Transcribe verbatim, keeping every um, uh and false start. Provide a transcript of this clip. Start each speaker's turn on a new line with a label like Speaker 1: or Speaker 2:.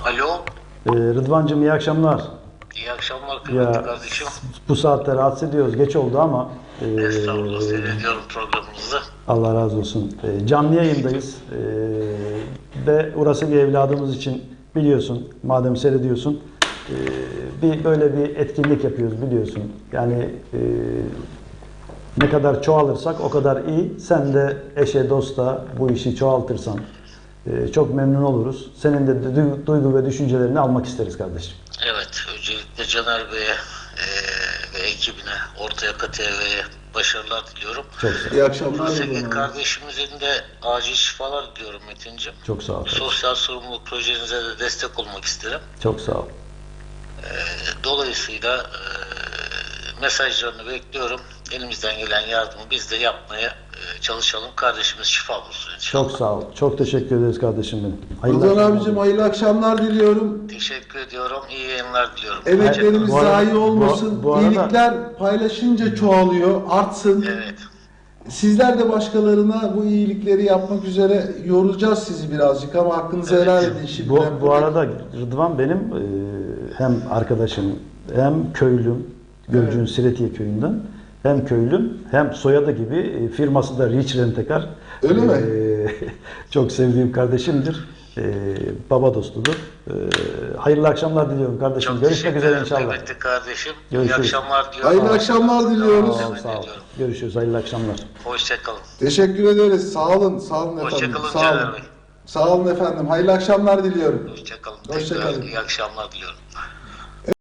Speaker 1: Alo.
Speaker 2: Ee, Rıdvancığım iyi akşamlar.
Speaker 1: İyi akşamlar kıymetli
Speaker 2: Ya,
Speaker 1: kardeşim.
Speaker 2: bu saatte rahatsız ediyoruz. Geç oldu ama e,
Speaker 1: Estağfurullah, seyrediyorum programınızı.
Speaker 2: Allah razı olsun. E, canlı yayındayız. E, ve orası bir evladımız için biliyorsun. Madem seyrediyorsun. E, bir böyle bir etkinlik yapıyoruz biliyorsun. Yani e, ne kadar çoğalırsak o kadar iyi. Sen de eşe dosta bu işi çoğaltırsan e, çok memnun oluruz. Senin de du- duygu ve düşüncelerini almak isteriz kardeşim.
Speaker 1: Evet, öncelikle Caner Bey'e e, ve ekibine, Orta Yaka T V'ye başarılar diliyorum.
Speaker 2: Çok sağ ol.
Speaker 3: İyi akşamlar.
Speaker 1: Nursekin kardeşimizin de acil şifalar diliyorum Metin'ciğim.
Speaker 2: Çok sağ ol.
Speaker 1: Bu sosyal sorumluluk projenize de destek olmak isterim.
Speaker 2: Çok sağ ol.
Speaker 1: E, dolayısıyla e, mesajlarını bekliyorum. Elimizden gelen yardımı biz de yapmaya e, çalışalım. Kardeşimiz şifa bulsun inşallah.
Speaker 2: Çok sağ ol. Çok teşekkür ederiz kardeşim benim. Hayırlı
Speaker 3: Rıdvan
Speaker 2: akşamlar.
Speaker 3: abicim hayırlı akşamlar diliyorum.
Speaker 1: Teşekkür ediyorum. İyi yayınlar diliyorum.
Speaker 3: Emeklerimiz
Speaker 2: Bu arada-
Speaker 3: zayi olmasın.
Speaker 2: bu- bu arada-
Speaker 3: İyilikler paylaşınca çoğalıyor, artsın.
Speaker 1: Evet.
Speaker 3: Sizler de başkalarına bu iyilikleri yapmak üzere yoracağız sizi birazcık ama hakkınızı
Speaker 1: Evet.
Speaker 3: helal edin şimdi.
Speaker 2: Bu, bu arada Rıdvan benim e, hem arkadaşım hem köylüm, Gölcük'ün Siretiye köyünden, hem köylüm hem soyadı gibi e, firması da Rich Rentekar.
Speaker 3: Öyle mi?
Speaker 2: Çok sevdiğim kardeşimdir. E, baba dostudur. E, hayırlı akşamlar diliyorum kardeşim.
Speaker 1: Çok
Speaker 2: Görüşmek
Speaker 1: teşekkür
Speaker 2: üzere
Speaker 1: ederim
Speaker 2: inşallah.
Speaker 1: kıymetli kardeşim.
Speaker 2: Görüşürüz.
Speaker 1: İyi akşamlar diliyorum.
Speaker 3: Hayırlı akşamlar diliyoruz.
Speaker 2: Sağ ol, sağ ol. Görüşürüz. Hayırlı akşamlar.
Speaker 1: Hoşçakalın.
Speaker 3: Teşekkür ederiz. Sağ olun, sağ olun efendim.
Speaker 1: Hoşçakalın
Speaker 3: Sağ
Speaker 1: Caner
Speaker 3: olun.
Speaker 1: Bey.
Speaker 3: Sağ olun efendim. Hayırlı akşamlar diliyorum.
Speaker 1: Hoşçakalın.
Speaker 3: Hoşça
Speaker 1: Tekrar
Speaker 3: kalın.
Speaker 1: iyi akşamlar diliyorum.